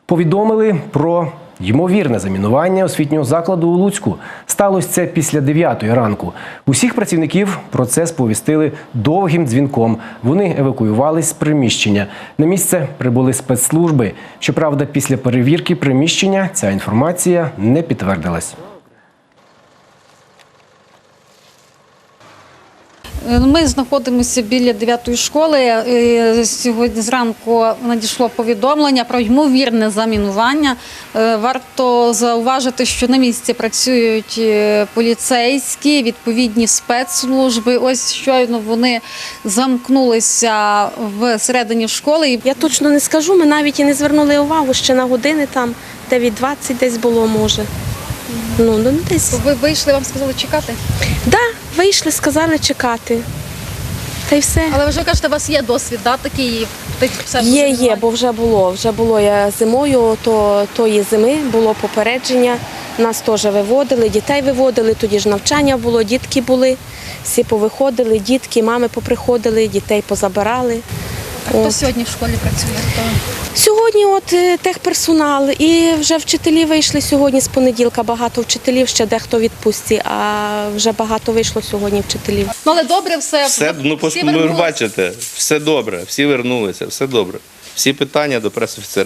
Повідомили про ймовірне замінування освітнього закладу у Луцьку. Сталося це після 9-ї ранку. Усіх працівників про це сповістили довгим дзвінком. Вони евакуювались з приміщення. На місце прибули спецслужби. Щоправда, після перевірки приміщення ця інформація не підтвердилась. Ми знаходимося біля 9-ї школи. Сьогодні зранку надійшло повідомлення про ймовірне замінування. Варто зауважити, що на місці працюють поліцейські, відповідні спецслужби. Ось щойно вони замкнулися всередині школи. Я точно не скажу, ми навіть і не звернули увагу, ще на години там 9:20 десь було, може. Десь. Ви вийшли, вам сказали чекати? Да, вийшли, сказали чекати. Та й все. Але ви вже кажете, у вас є досвід, да, такий? Є, бо вже було. Я зимою, тої зими було попередження. Нас теж виводили, дітей виводили, тоді ж навчання було, дітки були. Всі повиходили, дітки, мами поприходили, дітей позабирали. Хто сьогодні в школі працює? Сьогодні техперсонал і вже вчителі вийшли сьогодні з понеділка, багато вчителів, ще дехто в відпустці, а вже багато вийшло сьогодні вчителів. Але добре все. Ви бачите, все добре, всі вернулися, все добре. Всі питання до пресофіцера.